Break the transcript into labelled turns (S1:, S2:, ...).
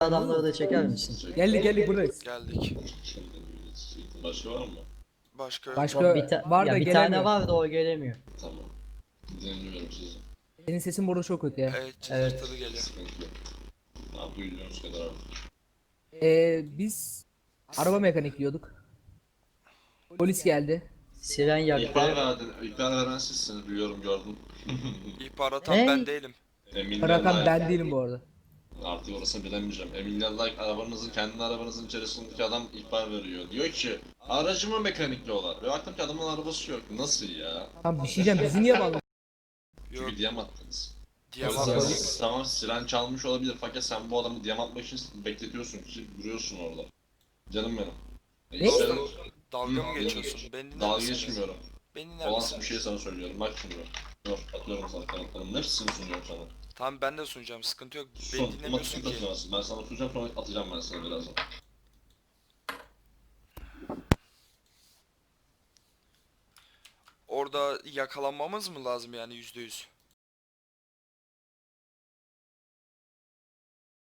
S1: adamları da çeker misin?
S2: Geldik buradayız.
S3: Geldik.
S4: Başka var mı?
S3: Başka yok.
S2: Başka var da
S1: ya bir
S2: gelemiyor.
S1: tane var da o gelemiyor.
S4: Tamam. Dinliyorum sizi.
S2: Senin sesin burada çok kötü ya.
S3: Evet, cızırtılı geliyor.
S4: Sıkıntı yok. Abi duyduğunuz kadar artık.
S2: Biz araba mekanikliyorduk. Polis geldi.
S1: Siren yaktı.
S4: İhbar veren sizsiniz, biliyorum, gördüm.
S3: İhbarat
S1: Ne?
S3: ben değilim.
S2: Bırakan ben değilim bu arada.
S4: Artık orasını bilemeyeceğim. Emilya'da arabanızın, kendi arabanızın içerisindeki adam ihbar veriyor. Diyor ki aracımı mekanikliyorlar. Ve baktım ki adamın arabası yok. Nasıl ya?
S2: Tamam bir şey diyeceğim, bizi niye bağladın?
S3: Yok
S4: Çünkü diyem attınız.
S3: diyemem.
S4: Tamam, siren çalmış olabilir fakat sen bu adamı diyem atmak için bekletiyorsun ki duruyorsun orada. Canım benim.
S2: Ne?
S4: İşte,
S3: Dalga mı geçiyorsun? Beni dinler
S4: dalga
S3: misin?
S4: geçmiyorum.
S3: Beni dinler
S4: Olan
S3: misin?
S4: bir şey sana söylüyorum. Bak şimdi. Dur, atıyorum sana kanıtlarımın hepsini sunuyorum sana.
S3: Tamam ben de sunacağım, sıkıntı yok. Beni
S4: Sun,
S3: dinlemiyorsun
S4: matik
S3: ki.
S4: atıyorsun. Ben sana sunacağım, sonra atacağım ben sana birazdan.
S3: Orada yakalanmamız mı lazım yani %100?